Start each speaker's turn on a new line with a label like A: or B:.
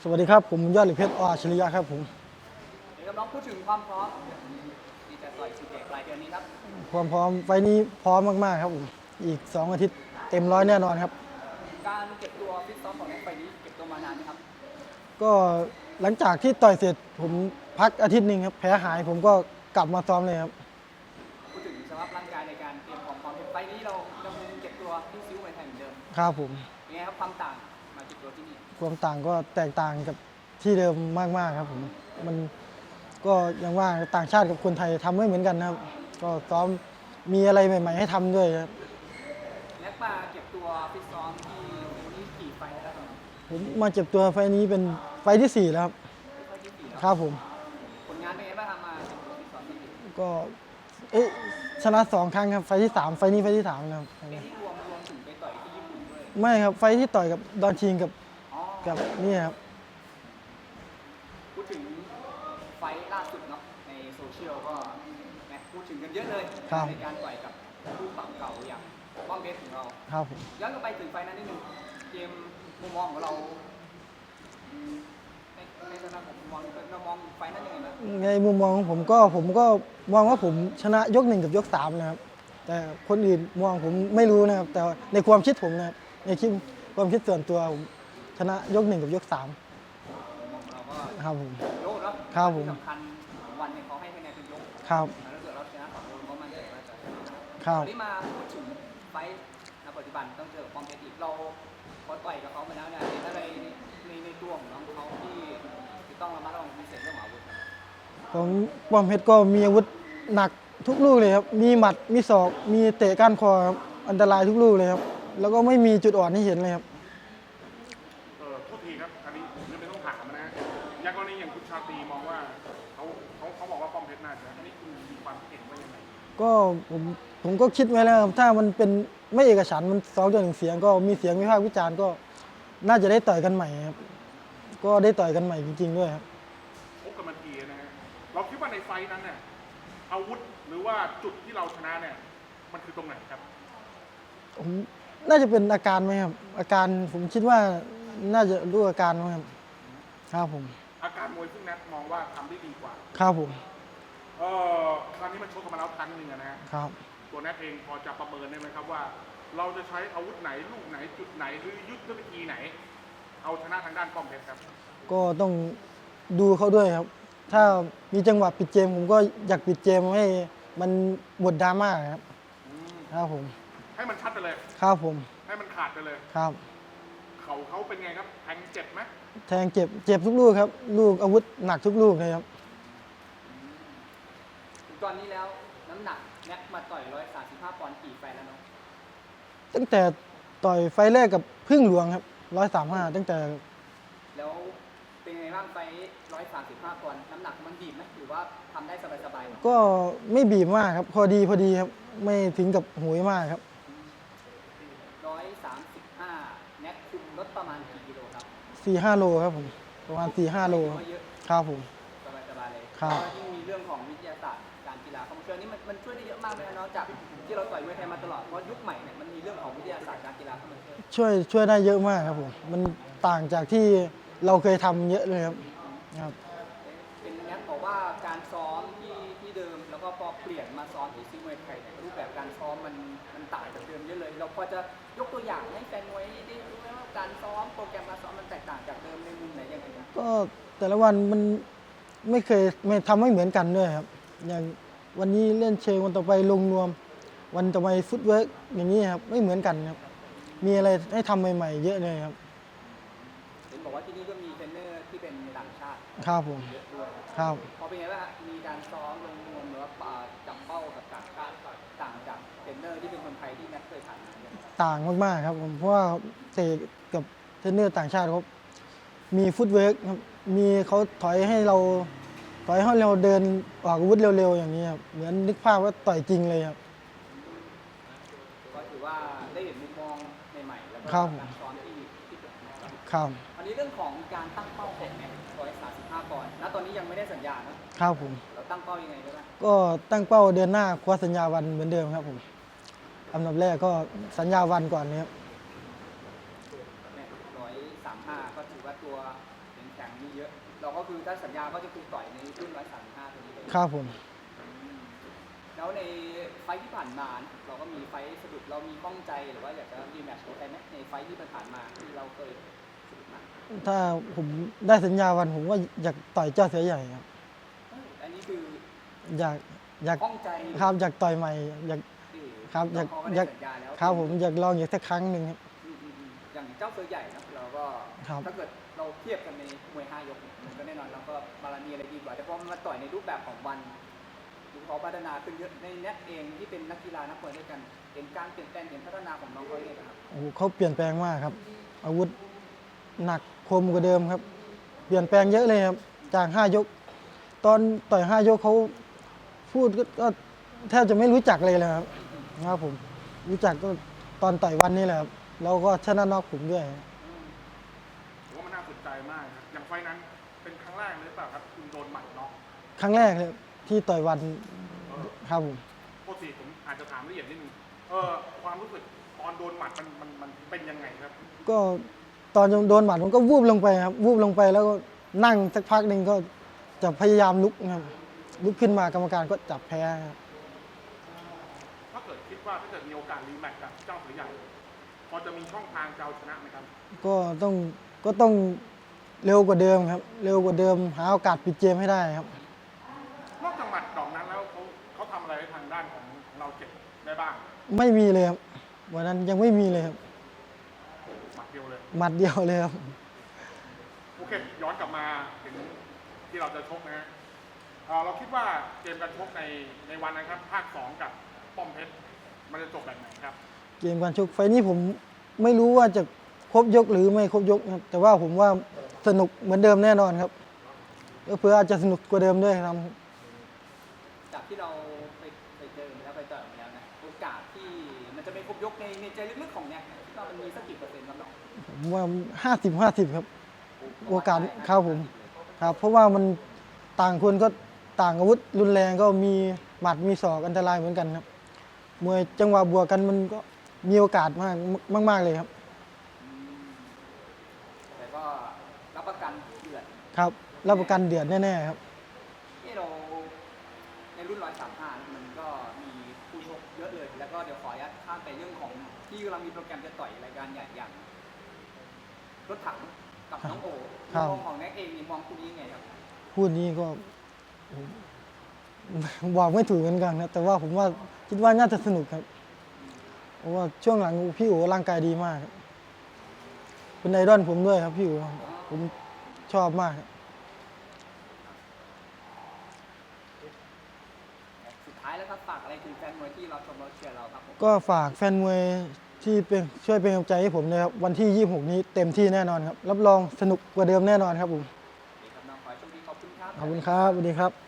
A: สวัสดีครับผมยอดเหล็กเพชรอัจฉริยะครับผม
B: เดี๋ยวน้องพูดถึงความพร้อมที่จะต่อยซีเกตปลายเดือนนี้ครับ
A: ความพร้อมไฟนี้พร้อมมากๆครับผมอีก2อาทิตย์เต็มร้อยแน่นอนครับ
B: การเก็บตัวฟิตซ้อมของนักไฟนี้เก็บตัวมานานไหมครับ
A: ก็หลังจากที่ต่อยเสร็จผมพักอาทิตย์หนึ่งครับแผลหายผมก็กลับมาซ้อมเลยครับ
B: พูดถึงสภาพร่างกายในการเตรียมความเป็นไฟนี้เรายังคงเก็บตัวที่ซิ้วไว้ไทยเหมือนเดิม
A: ครับผม
B: ยังไงครับความต่างมาเก็บตัวที่นี่
A: ความต่างก็แตกต่างกับที่เดิมมากๆครับผมมันก็ยังว่าต่างชาติกับคนไทยทำไม่เหมือนกันนะครับก็ซ้อมมีอะไรใหม่ๆให้ทำด้วยครับ
B: นักมาเก็บตัวฟิตซ้อมที่นี่กี่ไฟแล้วครับ
A: ผมมาเจ็บตัวไฟนี้เป็นไฟที่4แล้วครับ
B: ไฟที่สี่แล้ว
A: ครับผม
B: ผลงานเป็นไงบ้างครับมาเก็บตัวฟิตซ้อมที่นี่
A: ก็ชนะ2 ครั้งครับไฟที่3ไฟนี้ไฟที่3แล้วครับ
B: เป็นที่รวมถึงไปต่อยที่ญี่ปุ่นด้วย
A: ไม่ครับไฟที่ต่อยกับดอนชิงกับ
B: อ๋อ
A: นี่ครับ
B: พูดถึงไฟล่าสุดเนาะในโซเชียลก็พูดถึงกันเยอะเลยในการต่อยกับคู่ปรับเก่าอย่างป้อมเพชรของเรา
A: ครับผม
B: ย้อนกลับไปถึงไฟนั้นนิดนึงเกมมุมมองของเราในสนามผมเรามองไฟนั้นยังไงบ้าง
A: ในมุมมองของผมก็มองว่าผมชนะยก1กับยก3นะครับแต่คนอื่นมองผมไม่รู้นะครับแต่ในความคิดผมนะครับในความคิดส่วนตัวผมชนะยก1กับยก3
B: เราก็
A: ครับผม
B: ยกเนาะ
A: ครับผม
B: ที่สำคัญวันเนี่ยเขาให้คะแนนเป็นยก
A: ครับ
B: ถ้าเกิดเราชนะ2 ยกก็มั่นใจว่าจะ
A: ครับ
B: วันนี้มาพูดถึงไฟในปัจจุบันต้องเจอป้อมเพชรอีกเราพอต่อยกับเขามาแล้วเนี่ยเห็นอะไรในตัวของน้องเขาที่ต้องระมัดระวังพิเศษเรื่องอาวุธ
A: ของป้อมเพชรก็มีอาวุธหนักทุกลูกเลยครับมีหมัดมีศอกมีเตะก้านคอครับอันตรายทุกลูกเลยครับแล้วก็ไม่มีจุดอ่อนให้เห็นเลยครับ
C: โทษทีครับอันนี้ผมไม่ต้องถามนะฮะอย่างกรณีอย่างคุณชาตรีมองว่าเขาบอกว่าป้อมเพชรน่าจะอันนี้คุณมีความคิดเห็นว่ายังไง
A: ก็ผมก็คิดไว้แล้วครับถ้ามันเป็นไม่เอกฉันท์มัน2-1เสียงก็มีเสียงวิพากษ์วิจารณ์ก็น่าจะได้ต่อยกันใหม่ครับก็ได้ต่อยกันใหม่จริงๆด้วยครับ
C: พบกันมาทีนะฮะเราคิดว่าในไฟนั้นเนี่ยอาวุธหรือว่าจุดที่เราชนะเนี่ยมันคือตรงไหนครับ
A: ผมน่าจะเป็นอาการไหมครับอาการผมคิดว่าน่าจะรู้อาการไหมครับครับผม
C: อาการมวยซึ่งแนทมองว่าทำได้ดีกว่า
A: ครับผม
C: ครั้งนี้มันชกกันมาแล้วครั้งหนึ่งนะฮะ
A: ครับ
C: ตัวแนทเองพอจะประเมินได้ไหมครับว่าเราจะใช้อาวุธไหนลูกไหนจุดไหนหรือยุทธวิธีไหนเอาชนะทางด้านป้อมเพชรครับ
A: ก็ต้องดูเขาด้วยครับถ้ามีจังหวะปิดเกมผมก็อยากปิดเกมให้มันหมดดราม่าครับครับผม
C: ให้มันชัดไปเลย
A: ครับผม
C: ให้มันขาดไปเลย
A: ครับ
C: เขาเป็นไงครับแทงเจ็บไหม
A: แทงเจ็บทุกลูกครับลูกอาวุธหนักทุกลูกเลยครับ
B: ตอนนี้แล้วน้ำหนักแน็กมาต่อย135 ปอนด์กี่ไฟแล้วเนาะ
A: ตั้งแต่ต่อยไฟแรกกับพึ่งหลวงครับ135ตั้งแต่
B: แล้วเป็นไงบ้างไฟ135 ปอนด์น้ำหนักมันบีบไหมหรือว่าทำได้สบายๆ
A: ก็ไม่บีบมากครับพอดีครับไม่ถึงกับโหยมากครับ
B: 135แน็กคุมลดประมาณกี่กิโลครับ
A: 4-5 โลครับผมประมาณ4-5 โลครับผม
B: สบายๆเลย
A: ครับ
B: ยิ่งมีเรื่องของวิทยาศาสตร์การกีฬาเข้ามาช่วยนี่มันช่วยได้เยอะมากเลยนะนอกจากที่เราต่อยมวยไทยมาตลอดเพราะยุคใหม่เนี่ยมันมีเรื่องของวิทยาศาสตร์การกีฬาเข้ามา
A: ช่วยได้เยอะมากครับผมมันต่างจากที่เราเคยทำเยอะเลยครับ
B: เป็นแน็กบอกว่าการซ้อมที่เดิมแล้วก็พอเปลี่ยนมาซ้อมที่ซีมวยไทยเนี่ยรูปแบบการซ้อมมันต่างจากเดิมเยอะเลยเราพอจะยกตัวอย่างให้แฟนมวยได้รู้ไหมว่าการซ้อมโปรแกรมการซ้อมมันแตกต่างจากเดิมในมุมไหนยังไง
A: ก็แต่ละวันมันไม่เคยทำไม่เหมือนกันด้วยครับอย่างวันนี้เล่นเชิงวันต่อไปลงนวมวันต่อไปฟุตเวิร์กอย่างนี้ครับไม่เหมือนกันครับมีอะไรให้ทำใหม่ๆเยอะเลยครับ
B: เห็นบอกว่าที่นี่ก็มีเทรนเนอร์ที่เป็นต่างชาติ
A: ครับผม
B: เยอะด้วย
A: ครับ
B: พอเป็นไงบ้างมีการซ้อมลงนวมหรือว่าจับเป้ากับต่างชาติต่างจากเทรนเนอร์ที่เป็นคนไทยที่แม็กเคยผ่านมา
A: ต่างมากๆครับผมเพราะว่าเตะกับเทรนเนอร์ต่างชาติเขามีฟุตเวิร์กครับมีเขาถอยให้เราเดินออกอาวุธเร็วๆอย่างนี้ครับเหมือนนึกภาพว่าต่อยจริงเลยครับ
B: ก็ถือว่าได้เห็นมุมมองใหม่ๆแล้วก็การซ้อมที่เป็น
A: ครับ
B: อันนี้เรื่องของการตั้งเป้าของแม็ก135 ปอนด์ณตอนนี้ยังไม่ได้สัญญา
A: ครับผม
B: เราตั้งเป้ายังไงบ้าง
A: ก็ตั้งเป้าเดือนหน้าคว้าสัญญาวันเหมือนเดิมครับผมอันดับแรกก็สัญญาวันก่อนนะครับ
B: 135ก็ถือว่าตัวเหรียญทแข่งมีเยอะ เราก็คือถ้าสัญญาก็จะคือต่อยในรุ่น135ตัวนี้เลย
A: ครับผม
B: แล้วในไฟท์ที่ผ่านมานะเราก็มีไฟท์สะดุดเรามีข้องใจหรือว่าอยากจะรีแมตช์กับใครไหมในไฟท์ที่ผ่านมาที่เราเคยสะดุดมา
A: ถ้าผมได้สัญญาวันผมว่าอยากต่อยเจ้าเสือใหญ่ครับ
B: อันนี้คือ
A: อยาก
B: ข้องใจ
A: ครับอยากต่อยใหม่อยาก ครับอยาก
B: เขาก็
A: อ
B: ได้
A: ยาก
B: สัญญาแล้ว
A: ครับผมอยากลองอีกสักครั้งหนึ่งครับ
B: อย่างเจ้าเสือใหญ่นะเราก็
A: ครับ
B: ถ้าเกิดเราเทียบกันในมวย5 ยกเนี่ยมันก็แน่นอนเราก็บาลานีอะไรดีกว่าแต่พอมันมาต่อยในรูปแบบของวันดูเขาพัฒนาขึ้นเยอะในเนี้ยเองที่เป็นนักกีฬานักมวยด้วยกันเห็นการเปลี่ยนแปลงเห็นพัฒนาของน้องเขาเองครับ
A: โอ้โหเขาเปลี่ยนแปลงมากครับ อาวุธหนักคมกว่าเดิมครับ เปลี่ยนแปลงเยอะเลยครับจาก5 ยก ตอนต่อย5 ยกเขาพูดก็แทบจะไม่รู้จักเลยครับครับผมรู้จักก็ตอนต่อยวันนี้แหละครับแล้วก็ชนะน็อกผมด้วย
C: ผมว่ามันน่าสนใจมากครับอย่างไฟล์นั้นเป็นครั้งแรกเลยหรือเปล่าครับคุณโดนหมัดน็อก
A: ครั้งแรกเลยที่ต่อยวันครับผม
C: ปกติผมอาจจะถามละเอียดนิดนึงความรู้สึกตอนโดนหมัดมันเป็นยังไงครับ
A: ก็ตอนโดนหมัดผมก็วูบลงไปครับวูบลงไปแล้วก็นั่งสักพักหนึ่งก็จะพยายามลุกครับลุกขึ้นมากรรมการก็จับแพ้ครับ
C: ถ้าเกิดคิดว่าถ้าเกิดมีโอกาสรีแมตช์กับเจ้าเสือใหญ่พอจะมีช่องทางจะเอาชนะไหมครับ
A: ก็ต้องเร็วกว่าเดิมครับ เร็วกว่าเดิมหาโอกาสปิดเกมให้ได้ครับ
C: นอกจากหมัดดอกนั้นแล้วเขาทำอะไรให้ทางด้านของเราเจ็บได้บ้าง
A: ไม่มีเลยครับวันนั้นยังไม่มีเลยครับ
C: หมัดเดียวเลย
A: หมัดเดียวเลยครับ
C: โอเค ย้อนกลับมาถึงที่เราจะชกนะฮะเราคิดว่าเกมการชกในวันนั้นครับภาค 2 กับป้อมเพชรมันจะจบแบบไหนครับ
A: เกมการชกไฟล์นี้ผมไม่รู้ว่าจะครบยกหรือไม่ครบยกครับแต่ว่าผมว่าสนุกเหมือนเดิมแน่นอนครับเพื่ออาจจะสนุกกว่าเดิมด้วยครับ
B: จากที่เราไปเจอมาแล้วไปต่อยมาแล้วนะโอกาสที่มันจะไม่ครบยกในใจลึกๆของเนี่ยคิดว่ามันมีสักกี่เปอร์เซ็นต์ครับน้อง
A: ผมว่า50-50ครับโอกาสครับผมครับเพราะว่ามันต่างคนก็ต่างอาวุธรุนแรงก็มีหมัดมีศอกอันตรายเหมือนกันครับมวยจังหวะบวกกันมันก็มีโอกาสมากเลยครับ
B: แต่ก็รับประกันเดือด
A: ครับรับประกันเดือดแน่ๆครับ
B: ที่เราในรุ่น135มันก็มีผู้ชกเยอะเลย แล้วก็เดี๋ยวขออนุญาตข้ามไปเรื่องของที่กำลังมีโปรแกรมจะต่อยรายการใหญ่อย่างรถถังกับน้องโอ
A: ครับ
B: มองของแน็กเองนี่มองคู่นี้ยังไงครับ
A: พูดนี้ก็บอกไม่ถูกเหมือนกันครับแต่ว่าผมว่าคิดว่าน่าจะสนุกครับเพราะว่าช่วงหลังพี่อู๋ร่างกายดีมากครับเป็นไอดอลผมด้วยครับพี่อู๋ผมชอบมากครับ
B: สุดท้ายแล้วครับฝากอะไรถึงแฟนมวยที่เราชมเราเชียร์เราครับผม
A: ก็ฝากแฟนมวยที่เป็นช่วยเป็นกำลังใจให้ผมนะครับวันที่ 26 นี้เต็มที่แน่นอนครับรับรองสนุกกว่าเดิมแน่นอนครับผม
B: โอเคครับน้องขอให้โชคดีขอบคุณครับ
A: ขอบคุณครับสวัสดีครับ